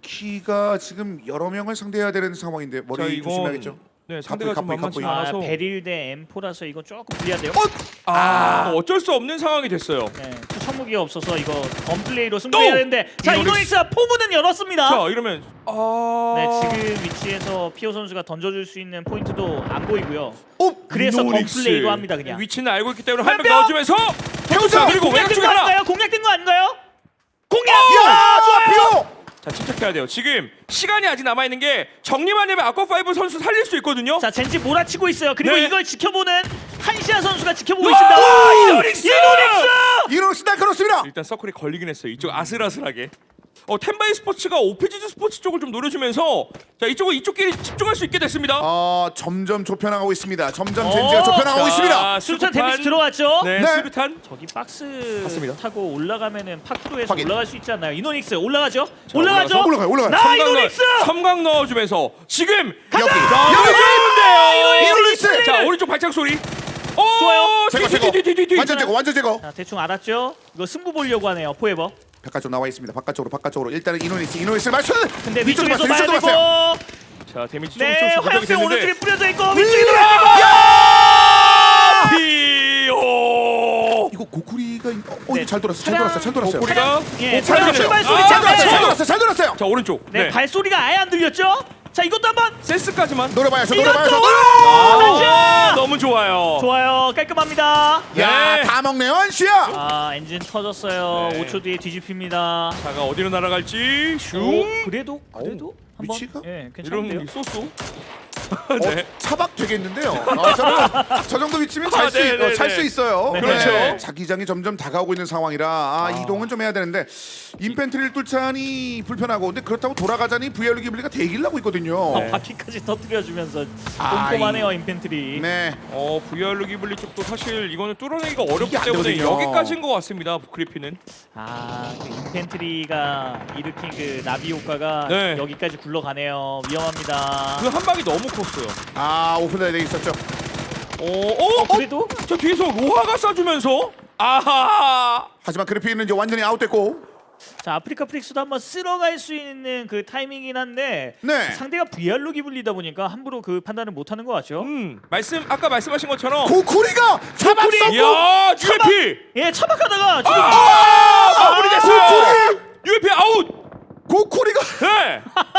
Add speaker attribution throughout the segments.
Speaker 1: 루키가 지금 여러 명을 상대해야 되는 상황인데
Speaker 2: 자,
Speaker 1: 머리
Speaker 2: 이건
Speaker 1: 조심해야겠죠.
Speaker 2: 네, 상대가 좀
Speaker 1: 갑부이,
Speaker 2: 만만치
Speaker 1: 갑부이.
Speaker 2: 않아서
Speaker 3: 베릴 대 M4라서 이거 조금 불리한데요.
Speaker 2: 어쩔 수 없는 상황이 됐어요.
Speaker 3: 네, 투척무기가 없어서 이거 덤플레이로 승부해야
Speaker 2: 또!
Speaker 3: 되는데 자 이노닉스가 포문은 열었습니다.
Speaker 2: 자, 이러면
Speaker 3: 네, 지금 위치에서 피오 선수가 던져줄 수 있는 포인트도 안 보이고요. 그래서
Speaker 2: 이노닉스.
Speaker 3: 덤플레이로 합니다 그냥.
Speaker 2: 위치는 알고 있기 때문에 한 명
Speaker 3: 명!
Speaker 2: 넣어주면서
Speaker 1: 태우자!
Speaker 2: 그리고 외곽
Speaker 3: 공략된
Speaker 2: 중에
Speaker 3: 거
Speaker 2: 하나.
Speaker 3: 아닌가요? 공략된 거 아닌가요? 공략!
Speaker 1: 야, 좋아 피오.
Speaker 2: 자, 침착해야 돼요. 지금 시간이 아직 남아 있는 게 정리만 되면 아쿠아5 선수 살릴 수 있거든요.
Speaker 3: 자 젠지 몰아치고 있어요. 그리고
Speaker 2: 네.
Speaker 3: 이걸 지켜보는 한시아 선수가 지켜보고
Speaker 2: 와,
Speaker 3: 있습니다.
Speaker 2: 이노닉스!
Speaker 1: 이노닉스 날카롭습니다.
Speaker 2: 일단 서클이 걸리긴 했어요. 이쪽 아슬아슬하게. 텐바이 스포츠가 오피지즈 스포츠 쪽을 좀 노려주면서 자 이쪽은 이쪽끼리 집중할 수 있게 됐습니다.
Speaker 1: 점점 좁혀나가고 있습니다. 점점 젠지가 좁혀나가고 있습니다.
Speaker 3: 수류탄 데미지 들어왔죠?
Speaker 2: 네,
Speaker 1: 네.
Speaker 2: 수류탄.
Speaker 3: 저기 박스
Speaker 2: 맞습니다.
Speaker 3: 타고 올라가면은 파크로에서
Speaker 1: 확인.
Speaker 3: 올라갈 수 있지 않나요? 이노닉스 올라가죠?
Speaker 2: 자,
Speaker 3: 올라가죠?
Speaker 1: 올라가요.
Speaker 3: 나 이노닉스!
Speaker 2: 섬광 넣어주면서 지금
Speaker 1: 여기.
Speaker 2: 좋은데요.
Speaker 1: 이노닉스.
Speaker 2: 자 오른쪽 발작 소리.
Speaker 3: 좋아요.
Speaker 1: 제거.
Speaker 2: 뒤.
Speaker 1: 완전 제거.
Speaker 3: 자 대충 알았죠? 이거 승부 보려고 하네요 포에버.
Speaker 1: 바깥쪽 나와 있습니다. 바깥쪽으로 일단은 이노닉스 맞춰.
Speaker 3: 근데
Speaker 1: 위쪽으로
Speaker 3: 위쪽에서
Speaker 1: 봤어요.
Speaker 3: 봐야
Speaker 1: 위쪽으로 봤어요.
Speaker 3: 되고
Speaker 2: 자 데미지
Speaker 3: 네
Speaker 2: 조금씩 누적이
Speaker 3: 화염병
Speaker 2: 됐는데.
Speaker 3: 오른쪽에 뿌려져 있고
Speaker 1: 위!
Speaker 3: 위쪽에
Speaker 2: 피오.
Speaker 1: 이거 고쿠리가
Speaker 3: 네.
Speaker 1: 이거 잘 돌았어요.
Speaker 2: 고쿠리가
Speaker 3: 예,
Speaker 2: 잘
Speaker 3: 차량
Speaker 2: 돌았어요.
Speaker 3: 출발 소리
Speaker 1: 잘 돌았어요.
Speaker 2: 자 오른쪽.
Speaker 3: 네 발소리가 아예 안 들렸죠? 자 이것도 한번
Speaker 2: 센스까지만.
Speaker 1: 노려봐야죠.
Speaker 2: 너무 좋아요.
Speaker 3: 좋아요 깔끔합니다.
Speaker 1: 야,
Speaker 2: 네.
Speaker 1: 다 먹네요, 한시야.
Speaker 3: 엔진 터졌어요.
Speaker 2: 네.
Speaker 3: 5초 뒤에 뒤집힙니다.
Speaker 2: 자가 어디로 날아갈지 슝.
Speaker 3: 그래도 한번
Speaker 1: 위치가?
Speaker 3: 예
Speaker 2: 이런
Speaker 3: 괜찮은데요.
Speaker 2: 쏘쏘. 네.
Speaker 1: 차박 되겠는데요. 저 정도 위치면
Speaker 2: 네.
Speaker 1: 잘 수 있어요.
Speaker 3: 네.
Speaker 2: 그렇죠.
Speaker 1: 자기장이 점점 다가오고 있는 상황이라 이동은 좀 해야 되는데 인펜트리를 뚫자니 불편하고 근데 그렇다고 돌아가자니 VR 기블리가 대기를 하고 있거든요.
Speaker 2: 네.
Speaker 3: 바퀴까지 터뜨려주면서
Speaker 1: 아,
Speaker 3: 꼼꼼하네요 인펜트리.
Speaker 1: 네.
Speaker 2: VR 기블리 쪽도 사실 이거는 뚫어내기가 어렵기
Speaker 1: 이게 안
Speaker 2: 때문에
Speaker 1: 되거든요.
Speaker 2: 여기까지인 것 같습니다. 그리피는.
Speaker 3: 그 인펜트리가 일으킨 그 나비 효과가
Speaker 2: 네.
Speaker 3: 여기까지 굴러가네요. 위험합니다.
Speaker 2: 그 한 방이 너무 컸어요.
Speaker 1: 오픈다이 돼 있었죠.
Speaker 3: 그래도
Speaker 2: 저 뒤에서 로하가 쏴주면서 아하.
Speaker 1: 하지만 그래피는 이제 완전히 아웃됐고.
Speaker 3: 자 아프리카 프릭스도 한번 쓸어갈 수 있는 그 타이밍이긴 한데
Speaker 1: 네.
Speaker 3: 상대가 VR로 기불리다 보니까 함부로 그 판단을 못하는 것 같죠?
Speaker 2: 아까 말씀하신 것처럼.
Speaker 1: 고쿠리가 잡았어.
Speaker 2: 야, UFP.
Speaker 3: 예 차박하다가 지금
Speaker 2: 마무리됐어요. UFP 아웃.
Speaker 1: 고쿠리가
Speaker 2: 네.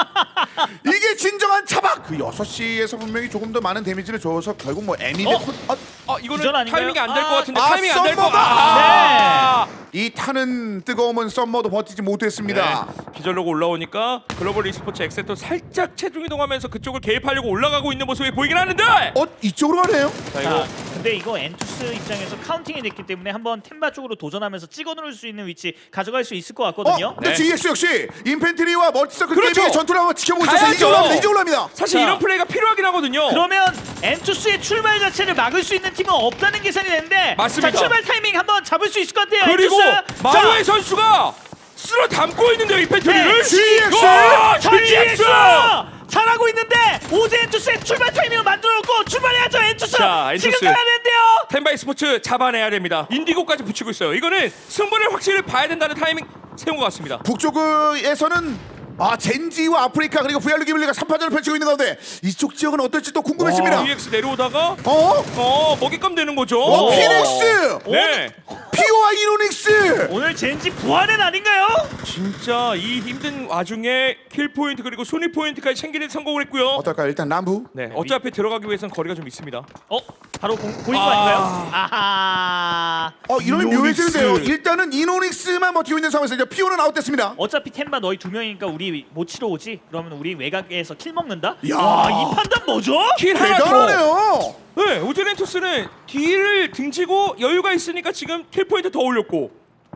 Speaker 1: 이게 진정한 차박. 그 6시에서 분명히 조금 더 많은 데미지를 줘서 결국 뭐 애니데
Speaker 2: 이거는
Speaker 3: 기절 아닌가요?
Speaker 2: 타이밍이 안 될 것 같은데
Speaker 1: 아,
Speaker 2: 타이밍이 안 될 거.
Speaker 1: 썸머다. 이 타는 뜨거움은 썸머도 버티지 못했습니다.
Speaker 2: 기절로고 올라오니까 글로벌 e스포츠 엑세터 살짝 체중 이동하면서 그쪽을 개입하려고 올라가고 있는 모습이 보이긴 하는데.
Speaker 1: 이쪽으로 가네요.
Speaker 2: 자 이거
Speaker 3: 근데 이거 엔투스 입장에서 카운팅이 됐기 때문에 한번 템바 쪽으로 도전하면서 찍어 누를 수 있는 위치 가져갈 수 있을 것 같거든요.
Speaker 1: 근데
Speaker 2: 네.
Speaker 1: GX 역시 인펜트리와 멀티서클
Speaker 2: 그렇죠.
Speaker 1: 게임의 전투를 한번 지켜보고 있어서
Speaker 2: 가야죠.
Speaker 1: 이제 올라갑니다.
Speaker 2: 사실
Speaker 3: 자.
Speaker 2: 이런 플레이가 필요하긴 하거든요.
Speaker 3: 그러면 엔투스의 출발 자체를 막을 수 있는 팀은 없다는 계산이 되는데
Speaker 2: 맞습니다.
Speaker 3: 자 출발 타이밍 한번 잡을 수 있을 것 같아요.
Speaker 2: 그리고
Speaker 3: 엔투스.
Speaker 2: 마루의 선수가 쓸어 담고 있는데요 이 팬트리를.
Speaker 3: 네,
Speaker 1: GX!
Speaker 2: 와,
Speaker 3: GX 잘하고 있는데 오제 엔투스의 출발 타이밍을 만들어놓고 출발해야죠 엔투스.
Speaker 2: 자, 엔투스.
Speaker 3: 지금 가야 되는데요.
Speaker 2: 텐바이 스포츠 잡아내야 됩니다. 인디고까지 붙이고 있어요. 이거는 승부를 확실히 봐야 된다는 타이밍 세운 것 같습니다.
Speaker 1: 북쪽에서는 젠지와 아프리카 그리고 VR 기블리가 3파전을 펼치고 있는 가운데 이쪽 지역은 어떨지 또 궁금해집니다.
Speaker 2: EX 내려오다가 먹잇감 되는 거죠.
Speaker 1: 피닉스!
Speaker 2: 네.
Speaker 1: 피오와 이노닉스!
Speaker 3: 오늘 젠지 부활은 아닌가요?
Speaker 2: 진짜 이 힘든 와중에 킬 포인트 그리고 순위 포인트까지 챙기는 성공을 했고요.
Speaker 1: 어떨까요? 일단 남부.
Speaker 2: 네, 어차피 들어가기 위해서는 거리가 좀 있습니다.
Speaker 3: 바로 보인 거 아닌가요? 아하.
Speaker 1: 이러면
Speaker 2: 이노닉스.
Speaker 1: 묘해지는데요. 일단은 이노닉스만 버티고 있는 상황에서 이제 피오는 아웃됐습니다.
Speaker 3: 어차피 템바 너희 두 명이니까 우리 못 치러 오지? 그러면 우리 외곽에서 킬 먹는다?
Speaker 1: 야.
Speaker 3: 와, 이 판단 뭐죠?
Speaker 2: 킬 하나 더.
Speaker 1: 대단하네요.
Speaker 2: 네, 오즈렌토스는 뒤를 등지고 여유가 있으니까 지금 킬 포인트 더 올렸고.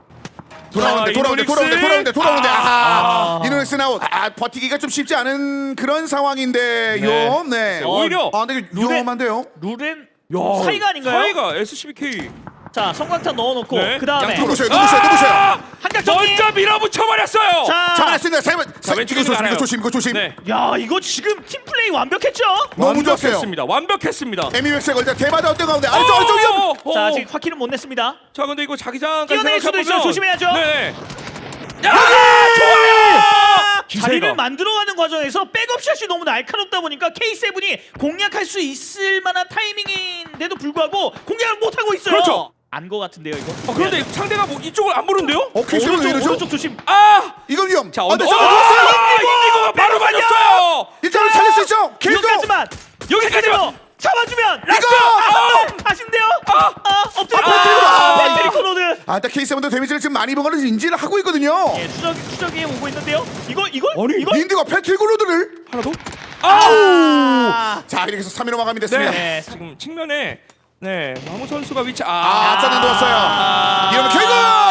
Speaker 1: 돌아오는데 이노닉스 아웃. 버티기가 좀 쉽지 않은 그런 상황인데요. 네.
Speaker 2: 오히려
Speaker 1: 근데 위험한데요.
Speaker 3: 룰은
Speaker 2: 야,
Speaker 3: 사이가 아닌가요?
Speaker 2: 사이가 SCBK.
Speaker 3: 자, 성광탄 넣어놓고
Speaker 2: 네.
Speaker 3: 그 다음에
Speaker 1: 누구세요?
Speaker 3: 한각 정리.
Speaker 2: 먼저 밀어붙여버렸어요.
Speaker 3: 자,
Speaker 1: 잡아냈습니다.
Speaker 2: 왼쪽에서
Speaker 1: 이거 조심.
Speaker 2: 네,
Speaker 3: 야 이거 지금 팀 플레이 완벽했죠?
Speaker 1: 너무 좋았어요.
Speaker 2: 완벽했습니다.
Speaker 1: 에미맥스가 일단 대마다 어떤 가운데 아래쪽 위험.
Speaker 3: 자, 아직 화키는 못 냈습니다.
Speaker 2: 자, 근데 이거 자기장까지
Speaker 3: 뛰어내릴 수도 있어요. 조심해야죠.
Speaker 2: 네. 야, 좋아요.
Speaker 3: 자리를 만들어가는 과정에서 백업샷이 너무 날카롭다 보니까 K7이 공략할 수 있을 만한 타이밍인데도 불구하고 공략을 못하고 있어요.
Speaker 2: 그렇죠.
Speaker 3: 안 거 같은데요 이거.
Speaker 2: 그런데 상대가 뭐 이쪽을 안 보는데요?
Speaker 1: 케이스는 왜 이러죠?
Speaker 3: 오른쪽 조심.
Speaker 2: 아!
Speaker 1: 이건 위험.
Speaker 2: 자,
Speaker 1: 네,
Speaker 2: 언더.
Speaker 1: 잡아줬어요.
Speaker 2: 인디고가 바로 맞았어요.
Speaker 1: 일단은 살릴 수 있죠. 킬도.
Speaker 3: 여기까지만.
Speaker 2: 여기까지만.
Speaker 3: 잡아주면 라스트 아쉽네요. 엎드려. 배터리 코로드.
Speaker 1: 일단 K7도 데미지를 지금 많이 먹어는 인지를 하고 있거든요.
Speaker 3: 예, 추적이 오고 있는데요. 이거
Speaker 2: 아니,
Speaker 3: 이거
Speaker 1: 인디가 패트릭 로드를
Speaker 2: 하나 더.
Speaker 1: 아우. 자 이렇게 해서 3위로 마감이 됐습니다.
Speaker 3: 네.
Speaker 2: 지금 측면에 마무 선수가 위치
Speaker 1: 짜증 넣었어요. 이러면 결국